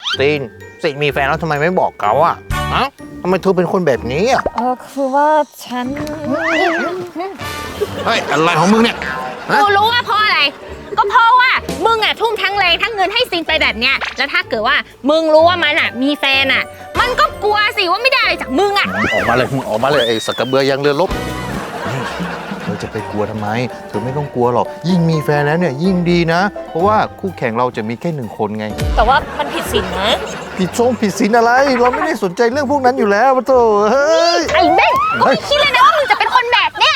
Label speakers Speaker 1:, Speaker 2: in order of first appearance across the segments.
Speaker 1: ซีนมีแฟนแล้วทำไมไม่บอกเขาอะฮะทำไมเธอเป็นคนแบบนี้อะ
Speaker 2: คือว่าฉัน
Speaker 1: เฮ้ยอะไรของมึงเนี่ย
Speaker 3: กูรู้ว่าเพราะอะไรก็เพราะว่ามึงอ่ะทุ่มทั้งแรงทั้งเงินให้ซีนไปแบบเนี้ยแล้วถ้าเกิดว่ามึงรู้ว่ามันอ่ะมีแฟนอ่ะมันก็กลัวสิว่าไม่ได้อะไรจากมึงอ่ะ
Speaker 1: ออกมาเลยมึงออกมาเลยไอ้สักกระเบือยังเรือลบนี่เธอจะไปกลัวทำไมเธอไม่ต้องกลัวหรอกยิ่งมีแฟนแล้วเนี่ยยิ่งดีนะเพราะว่าคู่แข่งเราจะมีแค่1 คนไง
Speaker 2: แต่ว่ามันผิดศีลนะ
Speaker 1: ผิดศีลอะไรเราไม่ได้สนใจเรื่องพวกนั้นอยู่แล้วปะโถเฮ้ย
Speaker 3: ไอ้เบ้งกูไม่คิดเลยนะว่ามึงจะเป็นคนแบบเนี้ย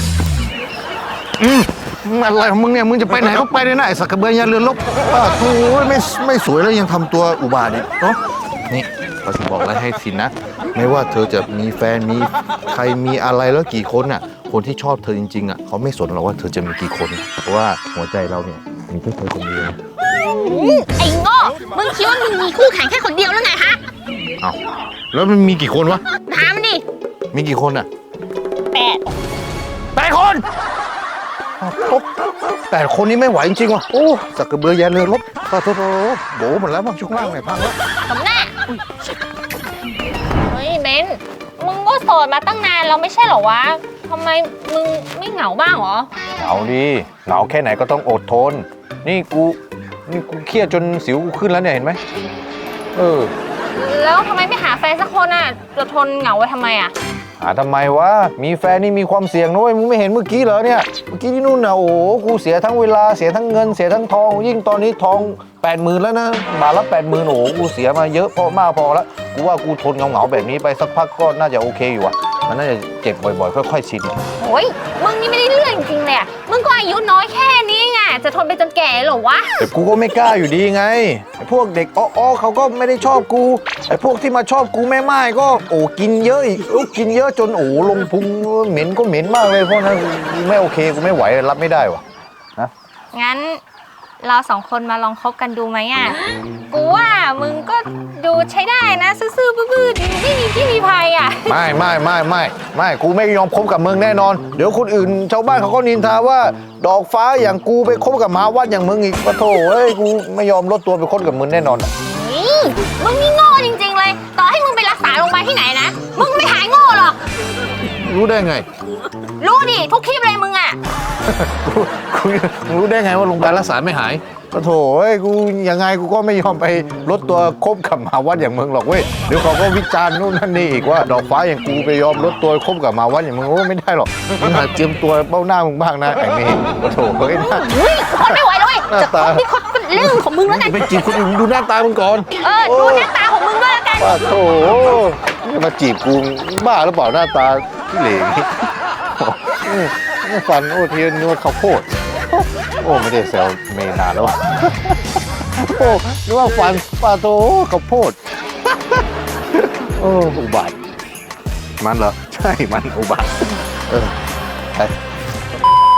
Speaker 1: อะไรของมึงเนี่ยมึงจะไปไหนก็ไปเลยนะไอ้สักกระเบือยันเรือนลบโอ้ยไม่สวยแล้วยังทำตัวอุบาทอีกเนาะนี่เขาจะบอกอะไรให้สินนะไม่ว่าเธอจะมีแฟนมีใครมีอะไรแล้วกี่คนน่ะคนที่ชอบเธอจริงๆอ่ะเขาไม่สนหรอกว่าเธอจะมีกี่คนเพราะว่าหัวใจเราเนี่ยมีแค่เธอคนเดียว
Speaker 3: ไอ้โง่มึงคิดว่ามึงมีคู่แข่งแค่คนเดียวหรือไงฮะ
Speaker 1: เอ้าแล้วมันมีกี่คนวะ
Speaker 3: ถามมันดิ
Speaker 1: มีกี่คนอ่ะ8 คน8 คนนี้ไม่ไหวจริงๆว่ะโอ้สักกระเบือยันเรือลบโถโบหมดแล้วมั้งช่วงล่างไหนพังแล้ว
Speaker 3: ทำหน้าเฮ้ยเบนมึงก็โสดมาตั้งนานแล้วไม่ใช่เหรอวะทำไมมึงไม่เหงาบ้างเหรอ
Speaker 1: เหงาดิเหงาแค่ไหนก็ต้องอดทนนี่กูเครียดจนสิวกูขึ้นแล้วเนี่ยเห็นไหม
Speaker 3: แล้วทำไมไม่หาแฟนสักคนอ่ะจะทนเหงาไว้ทำไมอ่ะ
Speaker 1: หาทำไมวะมีแฟนนี่มีความเสี่ยงนะเว้ยมึงไม่เห็นเมื่อกี้เหรอเนี่ยเมื่อกี้ที่นู่นน่ะโอ้โหกูเสียทั้งเวลาเสียทั้งเงินเสียทั้งทองยิ่งตอนนี้ทอง 80,000แล้วนะบาทละ 80,000โอ้โหกูเสียมาเยอะพอแล้วกูว่ากูทนเหงาแบบนี้ไปสักพักก็น่าจะโอเคอยู่อะมันน่าจะเจ็บบ่อยๆค่อยๆชิน
Speaker 3: โอ้ยมึงนี่ไม่ได้เรื่องจริงๆเลยอะมึงก็อายุน้อยแค่นี้ไงจะทนไปจนแก่เหรอวะ
Speaker 1: แต่กูก็ไม่กล้าอยู่ดีไงไอ้พวกเด็กอ้อเขาก็ไม่ได้ชอบกูไอ้พวกที่มาชอบกูแม่ไม้ก็โอ้กินเยอะอีกกินเยอะจนโอ้ลงพุงเหม็นก็เหม็นมากเลยเพราะนั้นกูไม่โอเคกูไม่ไหวรับไม่ได้วะนะ
Speaker 3: งั้นเรา2 คนมาลองคบกันดูไหมอ่ะกูว่ามึงก็ดูใช้ได้นะซื่อๆบื้อๆไม่มีที่มีภัยอ่ะ
Speaker 1: ไม่กูไม่ยอมคบกับมึงแน่นอนเดี๋ยวคนอื่นชาวบ้านเขาก็นินทาว่าดอกฟ้าอย่างกูไปคบกับหมาวัดอย่างมึงอีกปะโถเอ้ยกูไม่ยอมลดตัวไปคบกับมึงแน่นอน
Speaker 3: มึงนี่โง่จริงๆเลยต่อให้มึงไปรักษาโรงพยาบาลที่ไหนนะมึงไม่หายโง่หรอก
Speaker 1: รู้ได้ไง
Speaker 3: รู้ดิทุกคลิปเลยมึงอ่ะ
Speaker 1: กูรู้ได้ไงว่าโรงพยาบาลรักษาไม่หายปะโถเอ้ยกูยังไงกูก็ไม่ยอมไปลดตัวคบกับหมาวัดอย่างมึงหรอกเว้ยเดี๋ยวเขาก็วิจารณ์นู่นนั่นนี่อีกว่าดอกฟ้าอย่างกูไปยอมลดตัวคบกับหมาวัดอย่างมึงโอ้ไม่ได้หรอกมึงหาเจียมตัวเบ้าหน้ามึงบ้างนะไอ้เมย์ปะโถเฮ้ย
Speaker 3: คนไม่ไหวแล้วเว้ยจะคบที่คนเป็นเรื่องของมึงแล้วกัน
Speaker 1: ไปจีบคนอื่นดูหน้าตามึงก่อน
Speaker 3: ดูหน้าตาของมึงด้วยแล้วกัน
Speaker 1: ปะโถมาจีบกูบ้าหรือเปล่าหน้าตาที่เหล่นี่ฟันโอ้เทียนนวดข้าวโพดโอ้ไม่ได้แซวเมนานแล้วโอ้นึกว่าฟันปลาโตข้าวโพดโอ้อุบาทมันเหรอใช่มันอุบาทไป